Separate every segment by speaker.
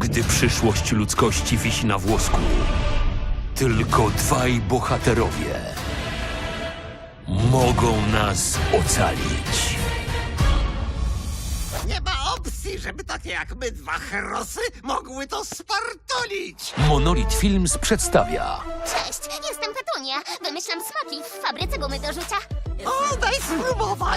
Speaker 1: gdy przyszłość ludzkości wisi na włosku. Tylko dwaj bohaterowie mogą nas ocalić.
Speaker 2: Nie ma opcji, żeby takie jak my dwa herosy mogły to spartolić!
Speaker 1: Monolith Films przedstawia
Speaker 3: Cześć, jestem Petunia. Wymyślam smaki w fabryce gumy do rzucia.
Speaker 2: O, daj spróbować!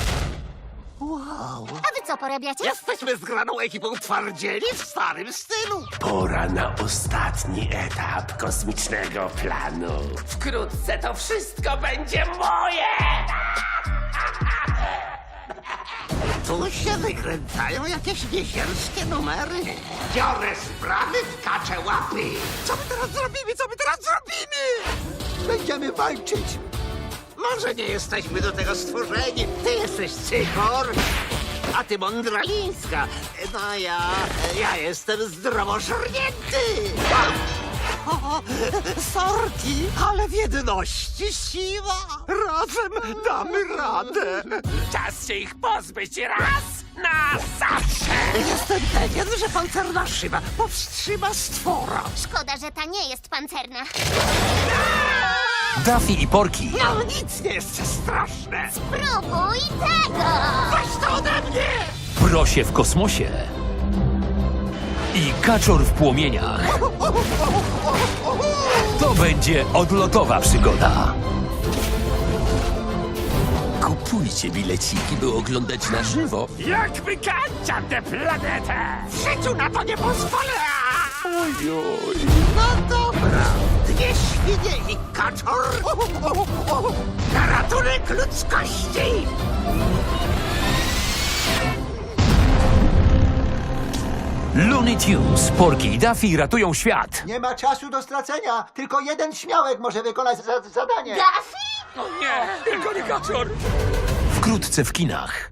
Speaker 2: Wow!
Speaker 3: A wy co porabiacie?
Speaker 2: Jesteśmy zgraną ekipą twardzieli w starym stylu!
Speaker 4: Pora na ostatni etap kosmicznego planu. Wkrótce to wszystko będzie moje!
Speaker 2: Tu się wykręcają jakieś niesierskie numery. Biorę sprawy w kacze łapy. Co my teraz zrobimy? Co my teraz zrobimy? Będziemy walczyć. Może nie jesteśmy do tego stworzeni. Ty jesteś Cychor, a ty Mądralińska. No ja jestem zdrowożernięty. O, sorki, ale w jedności siła. Razem damy radę.
Speaker 4: Czas się ich pozbyć raz na zawsze!
Speaker 2: Jestem pewien, że pancerna szyba powstrzyma stwora.
Speaker 3: Szkoda, że ta nie jest pancerna.
Speaker 1: Daffy i Porky.
Speaker 2: No nic nie jest straszne.
Speaker 3: Próbuj tego!
Speaker 2: Weź to ode mnie!
Speaker 1: Prosie w kosmosie i Kaczor w płomieniach. To będzie odlotowa przygoda.
Speaker 4: Kupujcie bileciki, by oglądać na żywo. Jak wykańczam tę planetę!
Speaker 2: W życiu na to nie pozwolę! No dobra. Dwie świnie i kaczor. Na ratunek ludzkości!
Speaker 1: Looney Tunes, Porky i Daffy ratują świat.
Speaker 5: Nie ma czasu do stracenia. Tylko jeden śmiałek może wykonać zadanie.
Speaker 3: Daffy?
Speaker 1: Wkrótce w kinach.